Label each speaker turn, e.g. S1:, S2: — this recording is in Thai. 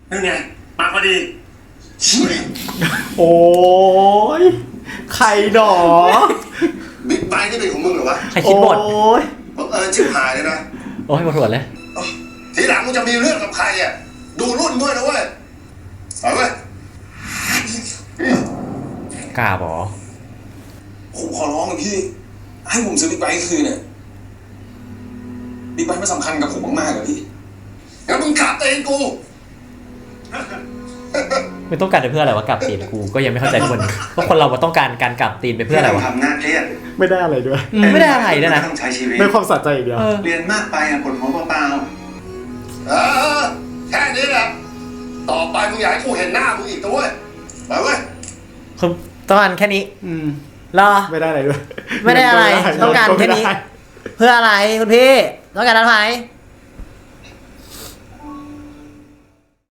S1: นั่นไงมาพอดี
S2: โอ้ยใครหนอ
S1: บิ๊กไบค์นี่เป็นของมึงเหรอวะ
S3: ใครคิดบท
S2: โอ้ย
S1: ชิบหายเลยนะ
S3: โอ้ยปวดหัวเลย
S1: ทีหลังมึงจะมีเรื่องกับใครอ่ะดูรุ่นด้วยนะเว้ยเอาเว้ย
S3: กล้าบอ
S4: ผมขอร้องเลยพี่ให้ผมซื้อบิ๊กไบค์คืนเนี่ยบิ๊กไบค์มันสำคัญกับผมมากๆเลยพี่
S1: งั้นมึงขับเองกู
S3: ไม่ต้องการไปเพื่ออะไรวะกลับตีนกูก็ยังไม่เข้าใจทุกคนว่าคนเราต้องการการกลับตีนไปเพื่ออะไรวะ
S1: ทำหน้าเครียด
S2: ไม่ได้อะไรด้วย
S3: ไม่ได้อะไรด้วยนะ
S1: ต้องใช้ชีวิต
S2: ได้ความสะใจอีกเดียว
S1: เรียนมากไปอ่ะปวดหัวเปล่าแค่นี้แหละต่อไปมึงอยากให้กูเห็นหน้ามึงอีกตัวเว้ยไปเว้ย
S3: คือต้องการแค่นี้รอ
S2: ไม่ได้อะไรด้วย
S3: ไม่ได้อะไรต้องการแค่นี้ เพื่ออะไรคุณพี่ต้องการอะไร